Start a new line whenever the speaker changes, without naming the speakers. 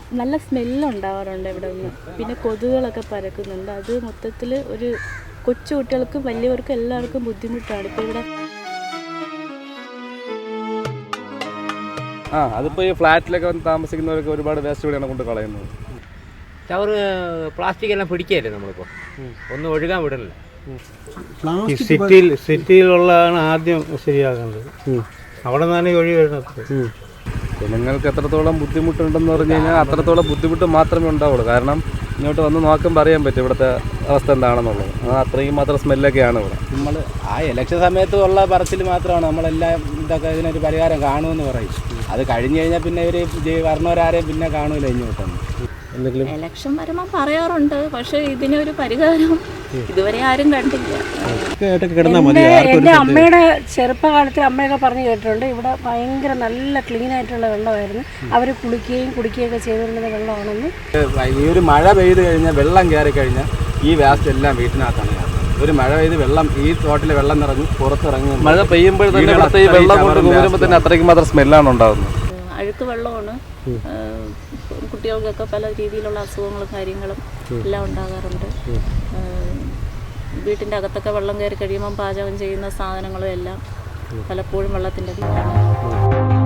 നല്ല സ്മെല്ലുണ്ടാവാറുണ്ട് ഇവിടെ നിന്ന്. പിന്നെ കൊതുകുകളൊക്കെ പരക്കുന്നുണ്ട്. അത് മൊത്തത്തിൽ ഒരു കൊച്ചു കുട്ടികൾക്കും വലിയവർക്കും എല്ലാവർക്കും ബുദ്ധിമുട്ടാണ് ഇപ്പോൾ ഇവിടെ.
അതിപ്പോൾ ഈ ഫ്ലാറ്റിലൊക്കെ വന്ന് താമസിക്കുന്നവർക്ക് ഒരുപാട് വേസ്റ്റ് ഇവിടെയാണ് കൊണ്ട് കളയുന്നത്.
ചവറ് പ്ലാസ്റ്റിക് എല്ലാം പിടിക്കുകയല്ലേ നമ്മളിപ്പോൾ, ഒന്നും ഒഴുകാൻ വിടണില്ല.
സിറ്റിയിലുള്ളതാണ് ആദ്യം ശരിയാക്കേണ്ടത്. അവിടെ നിന്നാണ് ഈ ഒഴി വരുന്നത്.
ജനങ്ങൾക്ക് എത്രത്തോളം ബുദ്ധിമുട്ടുണ്ടെന്ന് പറഞ്ഞു കഴിഞ്ഞാൽ അത്രത്തോളം ബുദ്ധിമുട്ട് മാത്രമേ ഉണ്ടാവുള്ളൂ. കാരണം ഇങ്ങോട്ട് വന്ന് നോക്കുമ്പോൾ അറിയാൻ പറ്റും ഇവിടുത്തെ അവസ്ഥ എന്താണെന്നുള്ളത്. അത്രയും മാത്രം സ്മെല്ലൊക്കെയാണ് ഇവിടെ.
നമ്മൾ ഇലക്ഷൻ സമയത്ത് ഉള്ള പറച്ചിൽ മാത്രമാണ് നമ്മളെല്ലാം ഇതൊക്കെ ഇതിനൊരു പരിഹാരം കാണുമെന്ന് പറയും. അത് കഴിഞ്ഞ് കഴിഞ്ഞാൽ പിന്നെ ഇവർ വരണവരാരെയും പിന്നെ കാണൂല ഇങ്ങോട്ടൊന്നും. എന്തെങ്കിലും
ഇലക്ഷൻ വരുമ്പോൾ പറയാറുണ്ട്, പക്ഷേ ഇതിനൊരു പരിഹാരം ഇതുവരെ ആരും കണ്ടില്ല.
എൻ്റെ അമ്മയുടെ ചെറുപ്പകാലത്ത് അമ്മയൊക്കെ പറഞ്ഞു കേട്ടിട്ടുണ്ട്, ഇവിടെ ഭയങ്കര നല്ല ക്ലീൻ ആയിട്ടുള്ള വെള്ളമായിരുന്നു. അവർ കുളിക്കുകയും കുടിക്കുകയൊക്കെ ചെയ്തിരുന്നത് വെള്ളമാണെന്ന്.
ഈ ഒരു മഴ പെയ്ത് കഴിഞ്ഞാൽ വെള്ളം കയറി കഴിഞ്ഞാൽ ഈ വേസ്റ്റ് എല്ലാം വീട്ടിനകത്താണ് കയറുന്നത്. ഒരു മഴ പെയ്ത് വെള്ളം ഈ തോട്ടിലെ വെള്ളം നിറഞ്ഞ് പുറത്തിറങ്ങി
മഴ പെയ്യുമ്പോൾ തന്നെ ഇവിടുത്തെ ഈ വെള്ളം കൊണ്ട് കൂടുമ്പോൾ തന്നെ അത്രയ്ക്ക് മാത്രം സ്മെല്ലാണ് ഉണ്ടാകുന്നത്.
അഴുക്ക് വെള്ളമാണ്. കുട്ടികൾക്കൊക്കെ പല രീതിയിലുള്ള അസുഖങ്ങളും കാര്യങ്ങളും എല്ലാം ഉണ്ടാകാറുണ്ട്. വീട്ടിൻ്റെ അകത്തൊക്കെ വെള്ളം കയറി കഴിയുമ്പം പാചകം ചെയ്യുന്ന സാധനങ്ങളും എല്ലാം പലപ്പോഴും വെള്ളത്തിൻ്റെ കീഴിലാണ്.